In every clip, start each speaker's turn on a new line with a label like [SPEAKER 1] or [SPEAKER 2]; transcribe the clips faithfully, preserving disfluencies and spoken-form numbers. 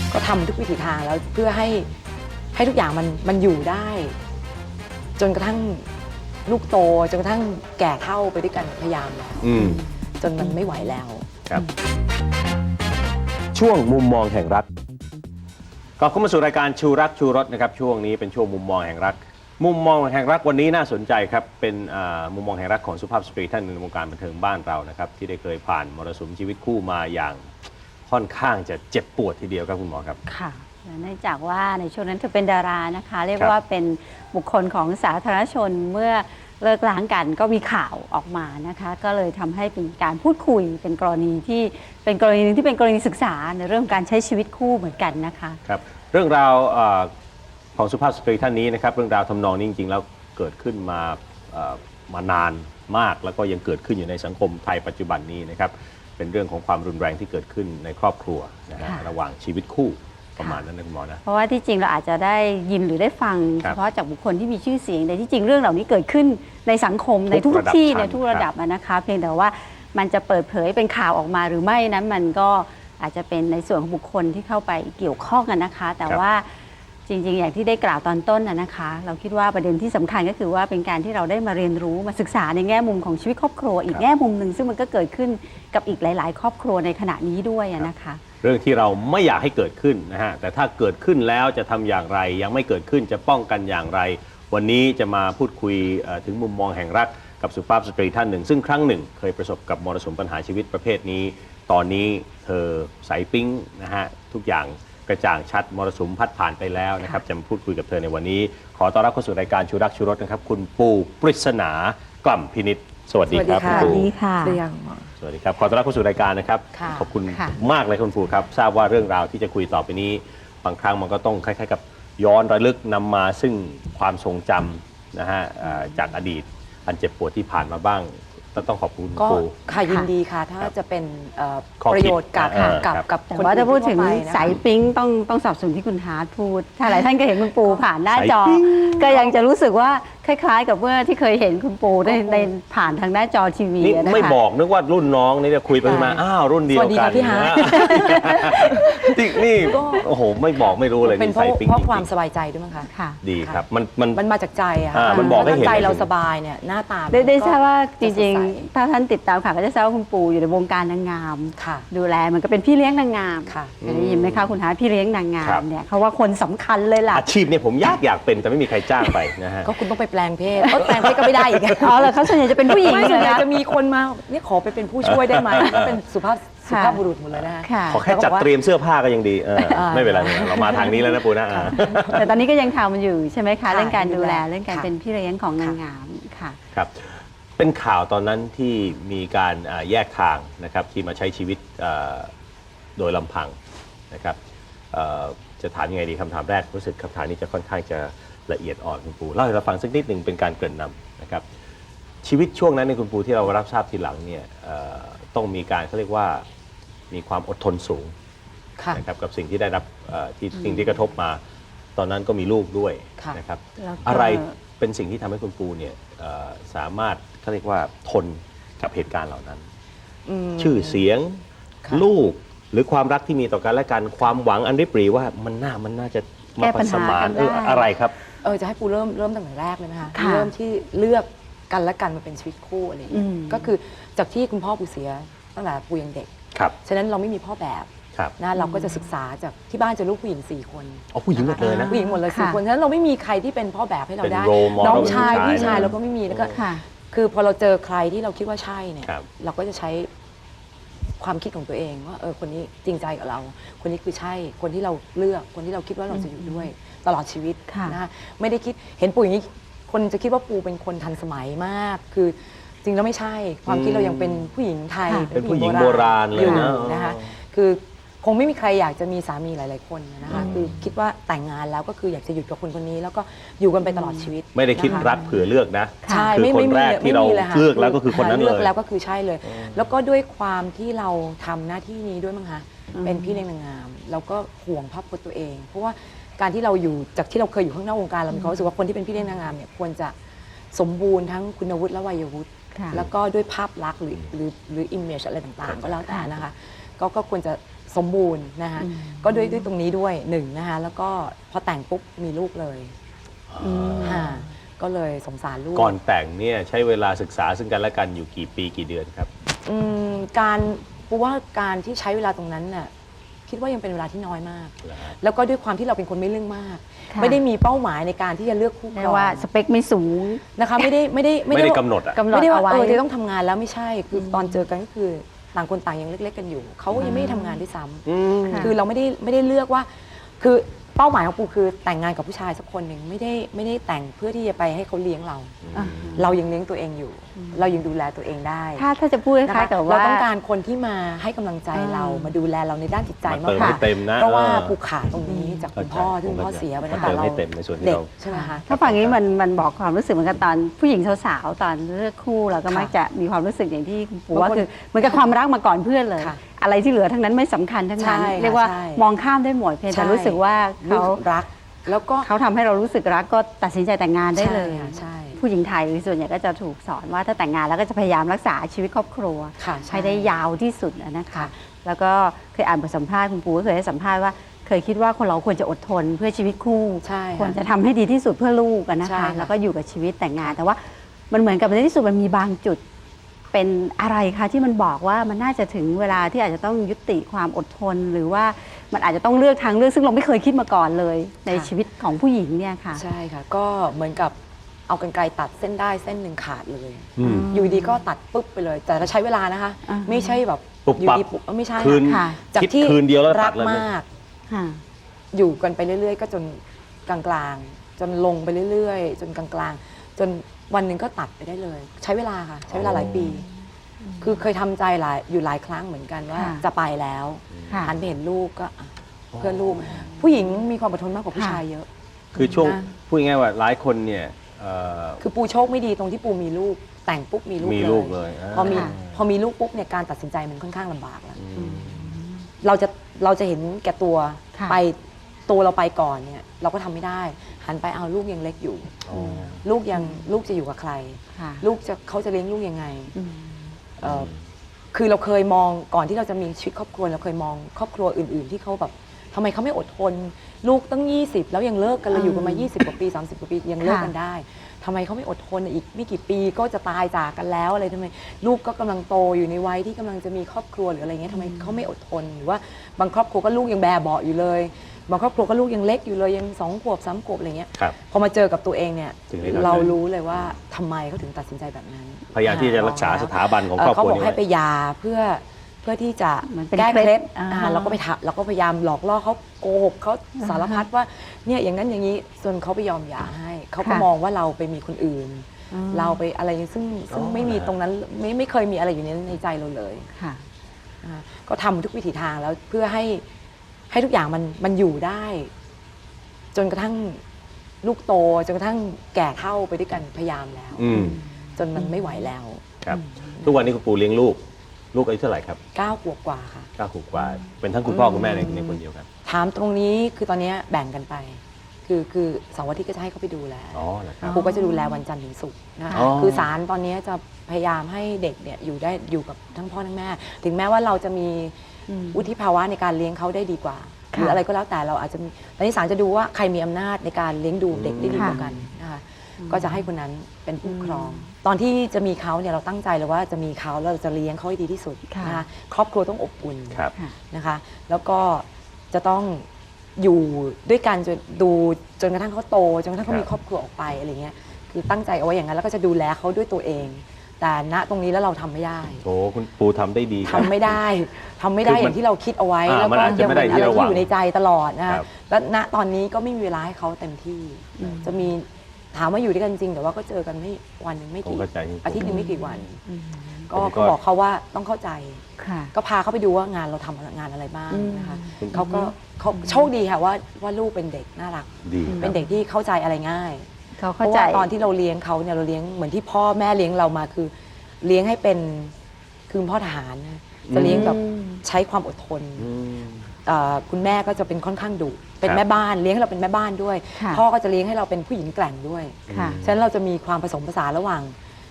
[SPEAKER 1] ก็ทำทุกวิถีทางแล้วเพื่อให้ให้ทุกอย่างมันมันอยู่ได้ จนกระทั่งลูกโตจนกระทั่งแก่เฒ่าไปด้วยกันพยายามแล้วจนมันไม่ไหวแล้ว
[SPEAKER 2] ครับช่วงมุมมองแห่งรักก็เข้ามาสู่รายการชูรักชูรสนะครับช่วงนี้เป็นช่วงมุมมองแห่งรักมุมมองแห่งรักวันนี้น่าสนใจครับเป็นมุมมองแห่งรักของสุภาพสตรีท่านในวงการบันเทิงบ้านเรานะครับที่ได้เคยผ่านมรสุมชีวิตคู่มาอย่างค่อนข้างจะเจ็บปวดทีเดียวครับคุณหมอครับ
[SPEAKER 3] ค่ะเนื่องจากว่าในช่วงนั้นเธอเป็นดารานะคะเรียกว่าเป็นบุคคลของสาธารณชนเมื่อเลิกล้างกันก็มีข่าวออกมานะคะก็เลยทำให้เป็นการพูดคุยเป็นกรณีที่เป็นกรณีนึงที่เป็นกรณีศึกษาในเรื่องการใช้ชีวิตคู่เหมือนกันนะคะ
[SPEAKER 2] ครับเรื่องราวของสุภาพสตรีท่านนี้นะครับเรื่องราวทำนองนี้จริงๆแล้วเกิดขึ้นมามานานมากแล้วก็ยังเกิดขึ้นอยู่ในสังคมไทยปัจจุบันนี้นะครับเป็นเรื่องของความรุนแรงที่เกิดขึ้นในครอบครัวนะฮะระหว่างชีวิตคู่ประมาณนั้นนะคุณหมอนะ
[SPEAKER 3] เพราะว่าที่จริงเราอาจจะได้ยินหรือได้ฟังเฉพาะจากบุคคลที่มีชื่อเสียงแต่ที่จริงเรื่องเหล่านี้เกิดขึ้นในสังคมในทุกที่ในทุกระดับนะคะเพียงแต่ว่ามันจะเปิดเผยเป็นข่าวออกมาหรือไม่นั้นมันก็อาจจะเป็นในส่วนของบุคคลที่เข้าไปเกี่ยวข้องกันนะคะแต่ว่าจริงๆอย่างที่ได้กล่าวตอนต้นนะคะเราคิดว่าประเด็นที่สำคัญก็คือว่าเป็นการที่เราได้มาเรียนรู้มาศึกษาในแง่มุมของชีวิตครอบครัวอีกแง่มุมหนึ่งซึ่งมันก็เกิดขึ้นกับอีกหลายๆครอบครัวในขณะนี้ด้วยนะคะ
[SPEAKER 2] เรื่องที่เราไม่อยากให้เกิดขึ้นนะฮะแต่ถ้าเกิดขึ้นแล้วจะทำอย่างไรยังไม่เกิดขึ้นจะป้องกันอย่างไรวันนี้จะมาพูดคุยถึงมุมมองแห่งรักกับสุภาพสตรีท่านหนึ่งซึ่งครั้งหนึ่งเคยประสบกับมรสุมปัญหาชีวิตประเภทนี้ตอนนี้เธอใสปิ๊งนะฮะทุกอย่างกระจ่างชัดมรสุมพัดผ่านไปแล้วนะครับจะมาพูดคุยกับเธอในวันนี้ขอต้อนรับเข้าสู่รายการชูรักชูรสนะครับคุณปูปริศนากล่ำพินิจสวัสดีครับ
[SPEAKER 3] คุณปูสวัสดีค่ะ
[SPEAKER 2] สวัสดีครับขอต้อนรับเข้าสู่รายการนะครับขอบคุณมากเลยคุณปูครับทราบว่าเรื่องราวที่จะคุยต่อไปนี้บางครั้งมันก็ต้องคล้ายๆกับย้อนระลึกนำมาซึ่งความทรงจำนะฮะจากอดีตอันเจ็บปวดที่ผ่านมาบ้างต้องขอบคุณ
[SPEAKER 1] ก็ค่ะยินดีค่ะถ้าจะเป็นประโยชน์กับกับกับ
[SPEAKER 3] คนว่าจะพูดถึงสายปิ๊งต้องต้องสับสนที่คุณฮาร์ดพูดถ้าหลายท่านก็เห็นคุณปูผ่านหน้าจอก็ยังจะรู้สึกว่าคล้ายๆกับเมื่อที่เคยเห็นคุณปูได้ในผ่านทางหน้าจอทีวีนะคะ
[SPEAKER 2] ไม่บอกนึกว่ารุ่นน้องนี่จะคุยไปมาอ้าวรุ่นเดียวกัน
[SPEAKER 1] พี่ฮาร์
[SPEAKER 2] ดนี่โอ้โหไม่บอกไม่รู้เลย
[SPEAKER 1] เป็นเพราะความสบายใจด้วยมั้งคะ
[SPEAKER 2] ดีครับมันมัน
[SPEAKER 1] มันมาจากใจอะ
[SPEAKER 2] มันบอกให้เห็น
[SPEAKER 1] ใจเราสบายเนี่ยหน้าตา
[SPEAKER 3] ได้ทราบว่าจริงๆถ้าท่านติดตามข่าวก็จะทราบว่าคุณปูอยู่ในวงการนางงามดูแลมันก็เป็นพี่เลี้ยงนางงามได้ยินไหมคะคุณฮาร์ดพี่เลี้ยงนางงามเนี่ยเขาว่าคนสำคัญเลยล่ะ
[SPEAKER 2] อาชีพเนี่ยผมยากอยากเป็นแต่ไม่มีใครจ้างไปนะฮะ
[SPEAKER 1] ก็คุณต้องไปแปลงเพศแปลงเพศก็ไม่ได้อีก
[SPEAKER 3] อ๋อเหรอเขาส่วนใหญ่จะเป็นผู้หญิง
[SPEAKER 1] ส่วนใหญ่จะมีคนมาเนี่ยขอไปเป็นผู้ช่วยได้ไหมก็เป็นสุภาพสุภาพบุรุษหมดเลยนะคะ
[SPEAKER 2] ขอแค่จัดเตรียมเสื้อผ้าก็ยังดีไม่เป็นไรเรามาทางนี้แล้วนะปูนะ
[SPEAKER 3] แต่ตอนนี้ก็ยังทำมันอยู่ใช่ไหมคะเรื่องการดูแลเรื่องการเป็นพี่เลี้ยงของนางงามค่ะ
[SPEAKER 2] ครับเป็นข่าวตอนนั้นที่มีการแยกทางนะครับที่มาใช้ชีวิตโดยลำพังนะครับจะถามยังไงดีคำถามแรกรู้สึกคำถามนี้จะค่อนข้างจะละเอียดอ่อนคุณปูเล่าให้เราฟังสักนิดหนึ่งเป็นการเกริ่นนำนะครับชีวิตช่วงนั้นในคุณปูที่เรารับทราบทีหลังเนี่ยต้องมีการเขาเรียกว่ามีความอดทนสูงนะครับกับสิ่งที่ได้รับที่สิ่งที่กระทบมาตอนนั้นก็มีลูกด้วยนะครับอะไรเป็นสิ่งที่ทำให้คุณปูเนี่ยสามารถเขาเรียกว่าทนกับเหตุการณ์เหล่านั้นชื่อเสียงลูกหรือความรักที่มีต่อกันและกันความหวังอันริบหรี่ว่ามันน่ามันน่าจะมาผสมานเอออะไรครับ
[SPEAKER 1] เออจะให้ปูเริ่มเริ่มตั้งแต่แรกเลยไหมคะเริ่มที่เลือกกันและกันมาเป็นชีวิตคู่อะไรอย่างเงี้ยก็คือจากที่คุณพ่อปูเสียตั้งแต่ปูยังเด็กฉะนั้นเราไม่มีพ่อแบบนะเราก็จะศึกษาจากที่บ้านจะลูกผู้หญิงสี่คน
[SPEAKER 2] อ๋อผู้หญิงหมดเลยนะ
[SPEAKER 1] ผู้หญิงหมดเลยสี่คนฉะนั้นเราไม่มีใครที่เป็นพ่อแบบให้เราได้น้องชายพี่ชายเราก็ไม่มีแล้วก็คือพอเราเจอใครที่เราคิดว่าใช่เนี่ยเราก็จะใช้ความคิดของตัวเองว่าเออคนนี้จริงใจกับเราคนนี้คือใช่คนที่เราเลือกคนที่เราคิดว่าเราจะอยู่ด้วยตลอดชีวิตนะไม่ได้คิดเห็นปูอย่างนี้คนจะคิดว่าปูเป็นคนทันสมัยมากคือจริงแล้วไม่ใช่ความคิดเรายังเป็นผู้หญิงไทย
[SPEAKER 2] เป็นผู้หญิงโบราณเลย
[SPEAKER 1] นะคะคือคงไม่มีใครอยากจะมีสามีหลายๆคนนะคะคือคิดว่าแต่งงานแล้วก็คืออยากจะอยู่กับคนคนนี้แล้วก็อยู่กันไปตลอดชีวิต
[SPEAKER 2] ไม่ได้คิดรักเผื่อเลือกนะ
[SPEAKER 1] ใช่
[SPEAKER 2] คือคนแรกที่เราเลือกแล้วก็คือคนนั้นเลยเลือก
[SPEAKER 1] แล้วก็คือใช่เลยแล้วก็ด้วยความที่เราทำหน้าที่นี้ด้วยมั้งคะเป็นพี่เลี้ยงนางงามเราก็ห่วงภาพพจน์ตัวเองเพราะว่าการที่เราอยู่จากที่เราเคยอยู่ข้างนอกวงการเรามีความรู้สึกว่าคนที่เป็นพี่เลี้ยงนางงามเนี่ยควรจะสมบูรณ์ทั้งคุณวุฒิและวัยวุฒิแล้วก็ด้วยภาพลักษณ์หรือหรือหรืออิมเมจอะไรต่างๆก็แล้วแต่นะคะก็ก็ควรจะสมบูรณ์นะคะก็ด้วยด้วยตรงนี้ด้วยหนึ่งนะคะแล้วก็พอแต่งปุ๊บมีลูกเลยค่ะก็เลยสงสารลูก
[SPEAKER 2] ก่อนแต่งเนี่ยใช้เวลาศึกษาซึ่งกันและกันอยู่กี่ปีกี่เดือนครับ
[SPEAKER 1] อืมการปูว่าการที่ใช้เวลาตรงนั้นน่ะคิดว่ายังเป็นเวลาที่น้อยมาก แล้วก็ด้วยความที่เราเป็นคนไม่เรื่องมาก ไม่ได้มีเป้าหมายในการที่จะเลือกคู่ครอง
[SPEAKER 3] ว่าสเปคไม่สูง
[SPEAKER 1] นะคะไม่ได้ไม่ได้
[SPEAKER 2] ไม่ได้กำหนดอะ
[SPEAKER 1] ไม่ได้ว่าเออจะต้องทำงานแล้วไม่ใช่คือตอนเจอกันก็คือต่างคนต่างยังเล็กๆกันอยู่เขายังไม่ได้ทำงานด้วยซ้ำคือเราไม่ได้ไม่ได้เลือกว่าคือเป้าหมายของปูคือแต่งงานกับผู้ชายสักคนหนึ่งไม่ได้ไม่ได้แต่งเพื่อที่จะไปให้เขาเลี้ยงเราเรายังเลี้ยงตัวเองอยู่เรายังดูแลตัวเองได้
[SPEAKER 3] ถ้าถ้าจะพูดคล้ายๆกับว่า
[SPEAKER 1] เราต้องการคนที่มาให้กำลังใจเรามาดูแลเราในด้านจิตใจมากกว่า
[SPEAKER 2] เพ
[SPEAKER 1] ราะว่าปูขาตรงนี้จากคุณพ่อที่คุณพ่อเสียไปตั้งแต่เราเด็กใช่ไหมคะ
[SPEAKER 3] ถ้าฟังนี้มันมันบอกความรู้สึกเหมือนกันตอนผู้หญิงสาวๆตอนเลือกคู่เราก็มักจะมีความรู้สึกอย่างที่คุณปู่ว่าคือเหมือนกับความรักมาก่อนเพื่อนเลยอะไรที่เหลือทั้งนั้นไม่สำคัญทั้งนั้นเรียกว่ามองข้ามได้หมดเพียงแต่รู้สึกว่าเขา
[SPEAKER 1] รักแล้วก็
[SPEAKER 3] เขาทำให้เรารู้สึกรักก็ตัดสินใจแต่งงานได้เลย
[SPEAKER 1] ใช่
[SPEAKER 3] ผู้หญิงไทยส่วนใหญ่ก็จะถูกสอนว่าถ้าแต่งงานแล้วก็จะพยายามรักษาชีวิตครอบครัวให้ได้ยาวที่สุดนะคะแล้วก็เคยอ่านบทสัมภาษณ์คุณปู่ก็เคยให้สัมภาษณ์ว่าเคยคิดว่าคนเราควรจะอดทนเพื่อชีวิตคู่ควรจะทำให้ดีที่สุดเพื่อลูกนะคะแล้วก็อยู่กับชีวิตแต่งงานแต่ว่ามันเหมือนกับในที่สุดมันมีบางจุดเป็นอะไรคะที่มันบอกว่ามันน่าจะถึงเวลาที่อาจจะต้องยุติความอดทนหรือว่ามันอาจจะต้องเลือกทางเลือกซึ่งเราไม่เคยคิดมาก่อนเลยในชีวิตของผู้หญิงเนี่ยค่ะ
[SPEAKER 1] ใช่ค่ะก็เหมือนกับเอากรรไกรตัดเส้นได้เส้นหนึ่งขาดเลยอยู่ดีก็ตัดปุ๊บไปเลยแต่ใช้เวลานะคะไม่ใช่แบบอยู่ดีปุ๊บไม่ใช่
[SPEAKER 2] ค่ะ
[SPEAKER 1] จากที่รักมาก
[SPEAKER 3] อยู่
[SPEAKER 1] กันไปเรื่อยๆก็จนกลางๆจนลงไปเรื่อยๆจนกลางๆจนวันหนึ่งก็ตัดไปได้เลยใช้เวลาค่ะใช้เวลาหลายปีคือเคยทำใจหลายอยู่หลายครั้งเหมือนกันว่าจะไปแล้วหันไปเห็นลูกก็เพื่อลูกผู้หญิงมีความอดทนมากกว่าผู้ชายเยอะ
[SPEAKER 2] คือช่วงพูดง่ายๆว่าหลายคนเนี่ย
[SPEAKER 1] คือปูโชคไม่ดีตรงที่ปูมีลูกแต่งปุ๊บมีลูกเลยพอมีพอมีลูกปุ๊บเนี่ยการตัดสินใจมันค่อนข้างลำบากแล้วเราจะเราจะเห็นแก่ตัวไปตัวเราไปก่อนเนี่ยเราก็ทำไม่ได้หันไปเอาลูกยังเล็กอยู่ลูกยังลูกจะอยู่กับใครลูกจะเขาจะเลี้ยงลูกยังไงคือเราเคยมองก่อนที่เราจะมีชีวิตครอบครัวเราเคยมองครอบครัวอื่นๆที่เขาแบบทำไมเขาไม่อดทนลูกตั้งยี่สิบแล้วยังเลิกกันเราอยู่กันมายี่สิบกว่าปีสามสิบกว่าปียังเลิกกันได้ทำไมเขาไม่อดทนอีกไม่กี่ปีก็จะตายจากกันแล้วอะไรทำไมลูกก็กำลังโตอยู่ในวัยที่กำลังจะมีครอบครัวหรืออะไรเงี้ยทำไมเขาไม่อดทนหรือว่าบางครอบครัวก็ลูกยังแบเบาะอยู่เลยบางครอบครัวก็ลูกยังเล็กอยู่เลยยังสองขวบสามขวบอะไรเงี้ยพอมาเจอกับตัวเองเนี่ยเรารู้เลยว่าทำไมเขาถึงตัดสินใจแบบนั้น
[SPEAKER 2] พยายามที่จะรักษาสถาบันของครอบครัว
[SPEAKER 1] เขาบอกให้ไปยาเพื่อเพื่อที่จะแก้เคล็ดเราก็ไปทักเราก็พยายามหลอกล่อเขาโกหกเขาสารพัดว่าเนี่ยอย่างนั้นอย่างนี้จนเขาไปยอมหย่าให้เขาก็มองว่าเราไปมีคนอื่นเราไปอะไรซึ่งซึ่งไม่มีตรงนั้นไม่ไม่เคยมีอะไรอยู่ในในใจเราเลยก็ทำทุกวิถีทางแล้วเพื่อให้ให้ทุกอย่างมันมันอยู่ได้ จนกระทั่งลูกโตจนกระทั่งแก่เฒ่าไปด้วยกันพยายามแล้วจนมันไม่ไหวแล้ว
[SPEAKER 2] ครับทุกวันนี้คุณปู่เลี้ยงลูกลูกอายุเท่าไหร่ครับ
[SPEAKER 1] เก้าขวบกว่าค่ะ
[SPEAKER 2] เก้าขวบกว่าเป็นทั้งคุณพ่อคุณแม่ในในคนเดียวกัน
[SPEAKER 1] ถามตรงนี้คือตอนนี้แบ่งกันไปคือคือเสาร์อาทิตย์ก็จะให้เขาไปดูแลปู่ก็จะดูแลวันจันทร์ถึงศุกร์นะคะคือศาลตอนนี้จะพยายามให้เด็กเนี่ยอยู่ได้อยู่กับทั้งพ่อทั้งแม่ถึงแม้ว่าเราจะมีวุฒิภาวะในการเลี้ยงเขาได้ดีกว่าหรืออะไรก็แล้วแต่เราอาจจะตอนนี้ศาลจะดูว่าใครมีอำนาจในการเลี้ยงดูเด็กได้ดีกว่ากันนะคะก็จะให้คนนั้นเป็นผู้ครองตอนที่จะมีเขาเนี่ยเราตั้งใจเลยว่าจะมีเขาแล้วเราจะเลี้ยงเขาให้ดีที่สุดนะคะครอบครัวต้องอบอุ่นนะคะแล้วก็จะต้องอยู่ด้วยกันจนดูจนกระทั่งเขาโตจนกระทั่งเขามีครอบครัวออกไปอะไรเงี้ยคือตั้งใจเอาไว้อย่างนั้นแล้วก็จะดูแลเขาด้วยตัวเองแต่ณตรงนี้แล้วเราทำไม่ได้
[SPEAKER 2] โอ้คุณปู่ทำได้ดี
[SPEAKER 1] ทำไม่ได้ทำไม่ได้อย่างที่เราคิดเอาไว้แล้วก็ยังเป็นอะไรที่อยู่ในใจตลอดนะคะแล้วณตอนนี้ก็ไม่มีเวลาให้เขาเต็มที่จะมีถามว่าอยู่ด้วยกันจริงแต่ว่าก็เจอกันไม่วันหนึ่งไม่กี่อาทิตย์หนึ่งไม่กี่วันก็บอกเขาว่าต้องเข้าใจก็พาเขาไปดูว่างานเราทำงานอะไรบ้างนะคะเขาก็เขาโชคดีค่ะว่าว่าลูกเป็นเด็กน่ารักเป็นเด็กที่เข้าใจอะไรง่ายเพราะว่าตอนที่เราเลี้ยงเขาเนี่ยเราเลี้ยงเหมือนที่พ่อแม่เลี้ยงเรามาคือเลี้ยงให้เป็นคือพ่อทหารจะเลี้ยงแบบใช้ความอดทนคุณแม่ก็จะเป็นค่อนข้างดุเป็นแม่บ้านเลี้ยงให้เราเป็นแม่บ้านด้วยพ่อก็จะเลี้ยงให้เราเป็นผู้หญิงแกร่งด้วยฉะนั้นเราจะมีความผสมผสานระหว่าง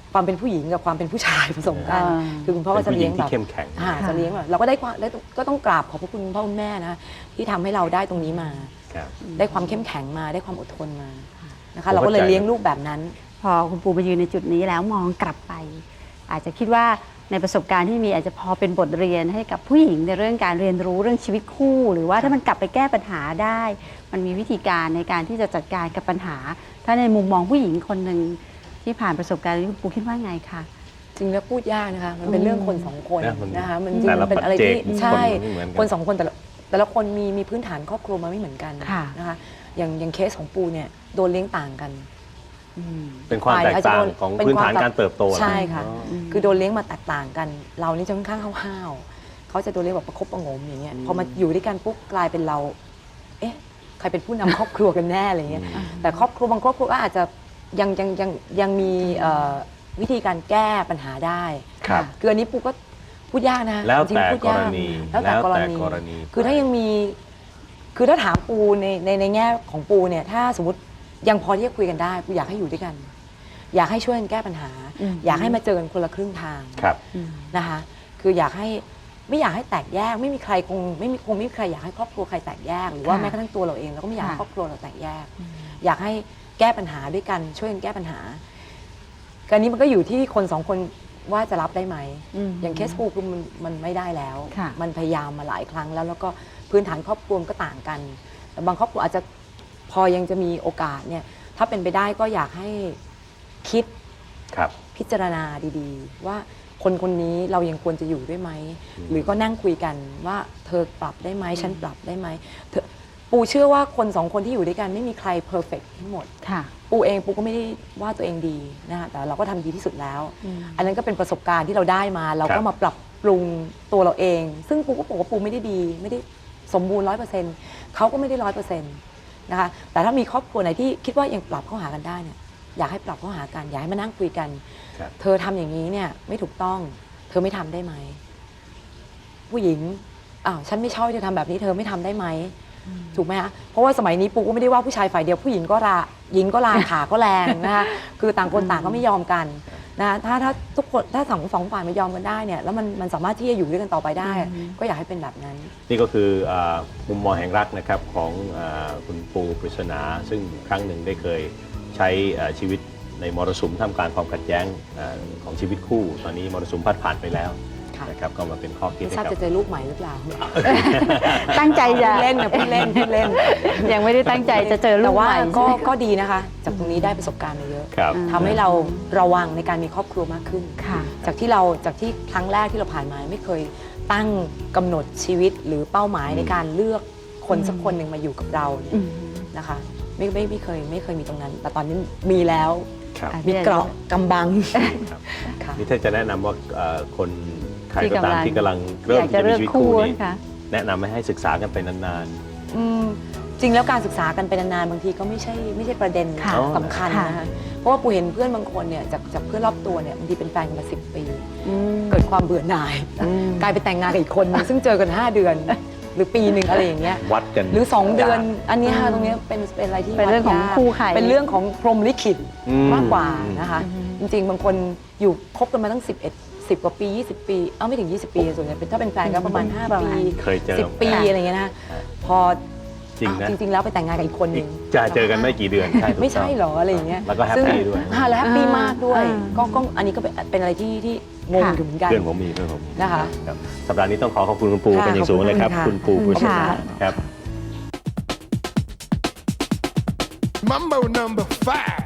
[SPEAKER 1] ความเป็นผู้หญิงกับความเป็นผู้ชายผสมกัน
[SPEAKER 3] อ่า
[SPEAKER 1] คือคุณพ่อก็จะเลี้ยงแบบ
[SPEAKER 2] เป็นผู้หญิงที่เข้มแข็ง
[SPEAKER 1] อ่าจะเลี้ยงแบบเราก็ได้ความได้ก็ต้องกราบขอบพระคุณพ่อคุณแม่นะที่ทำให้เราได้ตรงนี้มา
[SPEAKER 2] ครับ
[SPEAKER 1] ได้ความเข้มแข็งมาได้ความอดทนมานะ
[SPEAKER 2] ผ
[SPEAKER 1] คะ
[SPEAKER 2] ม
[SPEAKER 1] เราก็เลย
[SPEAKER 2] เข้าใจ
[SPEAKER 1] เลี้ยงลูกแบบนั้น
[SPEAKER 3] พอคุณปูมายืนในจุดนี้แล้วมองกลับไป อาจจะคิดว่าในประสบการณ์ที่มีอาจจะพอเป็นบทเรียนให้กับผู้หญิงในเรื่องการเรียนรู้เรื่องชีวิตคู่ หรือว่าถ้ามันกลับไปแก้ปัญหาได้ มันมีวิธีการในการที่จะจัดการกับปัญหา ถ้าในมุมมองผู้หญิงคนหนึ่งที่ผ่านประสบการณ์นี้คุณปูคิดว่าไงคะ
[SPEAKER 1] จริงแล้วพูดยากนะคะมันเป็นเรื่องคนสองคน
[SPEAKER 2] นะมัน
[SPEAKER 1] นะคะมันจริง
[SPEAKER 2] แต่ละ
[SPEAKER 1] มันเป็นอะไรที่
[SPEAKER 2] ปัจเจก
[SPEAKER 1] ใช่
[SPEAKER 2] คนไม่เหมือนกัน
[SPEAKER 1] คนสองคนแต่ละแต่ละคนมีมีพื้นฐานครอบครัวมาไม่เหมือนกัน
[SPEAKER 3] ค่ะ
[SPEAKER 1] นะคะอย่างอย่างเคสของปูเนี่ยโดนเลี้ยงต่างกัน
[SPEAKER 2] เป็นความแตกต่างของ
[SPEAKER 1] เป็น
[SPEAKER 2] พื้น
[SPEAKER 1] ความ
[SPEAKER 2] ฐานการเติบโต
[SPEAKER 1] ใช่ค่ะ
[SPEAKER 2] อ๋อ
[SPEAKER 1] คือโดนเลี้ยงมาแตกต่างกัน เรานี่จะค่อนข้างห้าวๆเขาจะโดนเลี้ยงแบบประคบประหงมอย่างเงี้ยพอมาอยู่ด้วยกันปุ๊บกลายเป็นเรา เอ๊ะใครเป็นผู้นำครอบครัวกันแน่อะไรเงี้ยแต่ครอบครัวบางครอบครัวก็อาจจะยังยังยังยังมีเอ่อวิธีการแก้ปัญหาได้
[SPEAKER 2] ครับ
[SPEAKER 1] คืออันนี้ปูก็พูดยากนะ
[SPEAKER 2] แล้ว
[SPEAKER 1] จริง
[SPEAKER 2] แต่
[SPEAKER 1] ๆพูด
[SPEAKER 2] ก
[SPEAKER 1] ยาร
[SPEAKER 2] ณี
[SPEAKER 1] แล้วแต่กรณี
[SPEAKER 2] กรณี
[SPEAKER 1] คือถ้ายังมี คือถ้าถามปูในในในแง่ของปูเนี่ย ถ้าสมมติยังพอที่จะคุยกันได้ปูอยากให้อยู่ด้วยกัน อยากให้ช่วยกันแก้ปัญหา
[SPEAKER 3] อืม
[SPEAKER 1] อยากให้มาเจอกันคนละครึ่งทาง
[SPEAKER 2] ครับ
[SPEAKER 1] นะคะ คืออยากให้ไม่อยากให้แตกแยก ไม่มีใครคงไม่มีคงไม่มีใครอยากให้ครอบครัวใครแตกแยก หรือว่า
[SPEAKER 3] ค่ะ
[SPEAKER 1] แม้กระทั่งตัวเราเองเราก็ไม่อยากให้
[SPEAKER 3] ค่ะ
[SPEAKER 1] ครอบครัวเราแตกแยก อยากให้แก้ปัญหาด้วยกันช่วยกันแก้ปัญหาการนี้มันก็อยู่ที่คนสองคนว่าจะรับได้ไหม
[SPEAKER 3] อืม
[SPEAKER 1] อย่างเคสปูคือมันมันไม่ได้แล้ว
[SPEAKER 3] ค่ะ
[SPEAKER 1] มันพยายามมาหลายครั้งแล้ว แล้วก็พื้นฐานครอบครัวมันก็ต่างกันแต่บางครอบครัวอาจจะพอยังจะมีโอกาสเนี่ย ถ้าเป็นไปได้ก็อยากให้คิด
[SPEAKER 2] ครับ
[SPEAKER 1] พิจารณาดีๆ ว่าคนคนนี้เรายังควรจะอยู่ด้วยไหม หรือก็นั่งคุยกันว่าเธอปรับได้ไหมฉันปรับได้ไหมเธอปูเชื่อว่าคนสองคนที่อยู่ด้วยกันไม่มีใครเพอร์เฟกทั้งหมด
[SPEAKER 3] ค่ะ
[SPEAKER 1] ปูเองปูก็ไม่ได้ว่าตัวเองดีนะคะแต่เราก็ทำดีที่สุดแล้ว
[SPEAKER 3] อืม
[SPEAKER 1] อันนั้นก็เป็นประสบการณ์ที่เราได้มา เรา
[SPEAKER 2] ครั
[SPEAKER 1] ก็
[SPEAKER 2] บ
[SPEAKER 1] มาปรับปรุงตัวเราเอง ซึ่งปูก็บอกว่าปูไม่ได้ดี ไม่ได้สมบูรณ์ร้อยเปอร์เซ็นต์เขาก็ไม่ได้ร้อยเปอร์เซ็นต์นะคะแต่ถ้ามีครอบครัวไหนที่คิดว่ายังปรับเข้าหากันได้เนี่ยอยากให้ปรับเข้าหากันอยากให้มานั่งคุยกัน
[SPEAKER 2] ครับ
[SPEAKER 1] เธอทำอย่างนี้เนี่ยไม่ถูกต้อง เธอไม่ทำได้ไหมผู้หญิงอ้าวฉันไม่ชอบให้เธอทำแบบนี้เธอไม่ทำได้ไหมถูกไหมคะเพราะว่าสมัยนี้ปูก็ไม่ได้ว่าผู้ชายฝ่ายเดียวผู้หญิงก็ราหญิงก็ลา ขาก็แรงนะคะคือต่างคนต่างก็ไม่ยอมกันนะคะถ้าถ้าทุกคนถ้าสองสองฝ่ายไม่ยอมกันได้เนี่ยแล้วมันมันสามารถที่จะอยู่ด้วยกันต่อไปได้ ก็อยากให้เป็นแบบนั้น
[SPEAKER 2] นี่ก็คืออ่ามุมมองแห่งรักนะครับของอาคุณปูปริศนา ซึ่งครั้งหนึ่งได้เคยใช้อ่าชีวิตในมรสุมท่ามกลางความขัดแย้งอาของชีวิตคู่ ตอนนี้มรสุมพัดผ่านไปแล้ว
[SPEAKER 1] ค่ะ
[SPEAKER 2] นะครับก็มาเป็นข้อคิด
[SPEAKER 1] ไม่
[SPEAKER 2] ให้
[SPEAKER 1] ทราบ
[SPEAKER 2] กับ
[SPEAKER 1] จะเจอลูกใหม่หรือเปล่า
[SPEAKER 3] ตั้งใจจะ
[SPEAKER 1] พูดเล่นนะพูดเล่นพูดเล่น
[SPEAKER 3] ยังไม่ได้ตั้งใจจะเจอลู
[SPEAKER 1] แต่
[SPEAKER 3] ก
[SPEAKER 1] ว่า
[SPEAKER 3] ใหม่
[SPEAKER 1] ก็
[SPEAKER 3] ใช่ไหม
[SPEAKER 1] ก็ดีนะคะ จากตรงนี้ได้ประสบการณ์มาเยอะ
[SPEAKER 2] ครับ
[SPEAKER 1] ทำให้เราระวังในการมีครอบครัวมากขึ้น
[SPEAKER 3] ค่ะ
[SPEAKER 1] จากที่เราจากที่ครั้งแรกที่เราผ่านมาไม่เคยตั้งกำหนดชีวิตหรือเป้าหมายในการเลือกคนสักคนหนึ่งมาอยู่กับเราเนี่ย
[SPEAKER 3] อืม
[SPEAKER 1] นะคะไม่ไม่ไม่เคยไม่เคยมีตรงนั้น แต่ตอนนี้มีแล้ว
[SPEAKER 2] ครับ
[SPEAKER 3] อ่ะ
[SPEAKER 1] มีเกราะกำบัง
[SPEAKER 2] ครับ
[SPEAKER 1] ค่ะ
[SPEAKER 2] นี่ถ้าจะแนะนำว่าเอ่อคนใคร
[SPEAKER 3] ที่
[SPEAKER 2] ก็ตาม
[SPEAKER 3] กำลัง
[SPEAKER 2] ที่กำลังเริ่ม
[SPEAKER 3] อยาก
[SPEAKER 2] ที่
[SPEAKER 3] จะ
[SPEAKER 2] จะมี
[SPEAKER 3] เลือก
[SPEAKER 2] ชีวิต
[SPEAKER 3] คู่
[SPEAKER 2] คู่นี้
[SPEAKER 3] ค่ะ
[SPEAKER 2] แนะนำให้ให้ศึกษากันไปนาน
[SPEAKER 1] อืมจริงแล้วการศึกษากันไปนานๆบางทีก็ไม่ใช่ไม่ใช่ประเด็น
[SPEAKER 3] ค่ะ
[SPEAKER 1] สำคัญ
[SPEAKER 3] ค่ะ
[SPEAKER 1] นะคะเพราะว่าปูเห็นเพื่อนบางคนเนี่ยจากจากเพื่อนรอบตัวเนี่ยบางทีเป็นแฟนกันมาสิบปี
[SPEAKER 3] อืม
[SPEAKER 1] เกิดความเบื่อหน่าย
[SPEAKER 3] อืม
[SPEAKER 1] กลายไปแต่งงานกับอีกคนนึงซึ่งเจอกันห้าเดือน หรือปีหนึ่งอะไรอย่างเงี้ย
[SPEAKER 2] ๆ วัดกัน
[SPEAKER 1] หรือ 2 เดือน
[SPEAKER 2] ยาก
[SPEAKER 1] อันเนี้ยค่ะ
[SPEAKER 3] อืม
[SPEAKER 1] ตรงเนี้ยเป็นเป็นอะไรที่
[SPEAKER 3] เป็นเรื่องของ
[SPEAKER 1] วัดยาก
[SPEAKER 3] คู่ใคร
[SPEAKER 1] เป็นเรื่องของพรหมลิขิต
[SPEAKER 2] อืม
[SPEAKER 1] มากกว่านะคะ
[SPEAKER 3] อืม
[SPEAKER 1] จริงๆ บางคนอยู่คบกันมาตั้งสิบเอ็ด สิบกว่าปียี่สิบปีเอ้าไม่ถึงยี่สิบปีส่วนใหญ่เป็นถ้าเป็นแฟนก็ประมาณห้า
[SPEAKER 3] ประ
[SPEAKER 1] ปี
[SPEAKER 3] มาณ
[SPEAKER 2] เคยเจอ
[SPEAKER 1] สิบปี
[SPEAKER 3] ค่ะ
[SPEAKER 1] อะไรเงี้ยนะพอ
[SPEAKER 2] จริงนะ
[SPEAKER 1] อ้าวจริงๆแล้วไปแต่งงานกับอีกคนนึ
[SPEAKER 2] อีก
[SPEAKER 1] ง
[SPEAKER 2] จะเจอกันไม่กี่เดือนใช่ถูกต้อง
[SPEAKER 1] ไม่ใช่เหรออะไรอย่างเงี้ย
[SPEAKER 2] แล้วก็แฮป
[SPEAKER 1] ซึ่ง
[SPEAKER 2] ปี้ด้วย
[SPEAKER 1] อ่าแล้วแฮปปี้มากด้วย
[SPEAKER 3] อ่า
[SPEAKER 1] ก็ก็อันนี้ก็เป็นเป็นอะไรที่ที่งง
[SPEAKER 3] ค่ะ
[SPEAKER 1] อยู่เหมือนกัน
[SPEAKER 2] เพื่อนผมมีเพื่อนผมมี
[SPEAKER 1] นะคะ
[SPEAKER 2] รับสัปดาห์นี้ต้องขอขอบคุณคุณปู
[SPEAKER 1] ค่ะ
[SPEAKER 2] เป็นอย่างสูงเลยครับ
[SPEAKER 1] ขอบคุ
[SPEAKER 2] คุณ
[SPEAKER 1] ณ
[SPEAKER 2] ปูปริศนา
[SPEAKER 3] ค่ะ
[SPEAKER 2] ครับ
[SPEAKER 4] Mambo number five.